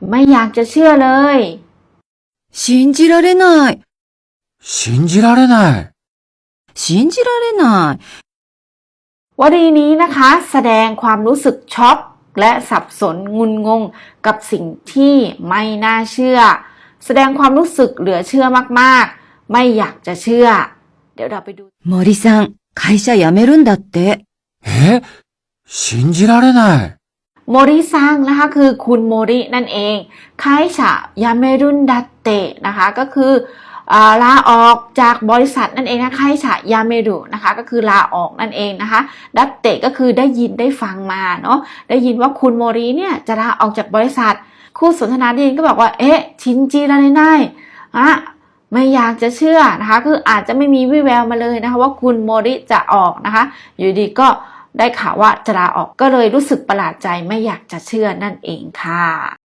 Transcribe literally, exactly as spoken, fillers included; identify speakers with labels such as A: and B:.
A: ไม่อยากจะเชื่อเลย
B: 信じられない
C: 信じられない
B: 信じられな
A: ยวลีนี้นะคะแสดงความรู้สึกช็อกและสับสนงุนงงกับสิ่งที่ไม่น่าเชื่อแสดงความรู้สึกเหลือเชื่อมากๆไม่อยากจะเชื่อเดี๋ยวเราไปดู
B: い森さん会社辞めるんだって
C: え信じられない
A: โมริซังนะคะคือคุณโมรินั่นเองไคชะยาเมรุนดัตเตะนะคะก็คือลาออกจากบริษัทนั่นเองนะไคชะยาเมรุนะคะก็คือลาออกนั่นเองนะคะดัตเตะก็คือได้ยินได้ฟังมาเนาะได้ยินว่าคุณโมริเนี่ยจะลาออกจากบริษัทคู่สนทนาได้ยินก็บอกว่าเอ๊ะชินจิราเรไนอะไม่อยากจะเชื่อนะคะคืออาจจะไม่มีวี่แววมาเลยนะคะว่าคุณโมริจะออกนะคะอยู่ดีก็ได้ข่าวว่าจะลาออกก็เลยรู้สึกประหลาดใจไม่อยากจะเชื่อนั่นเองค่ะ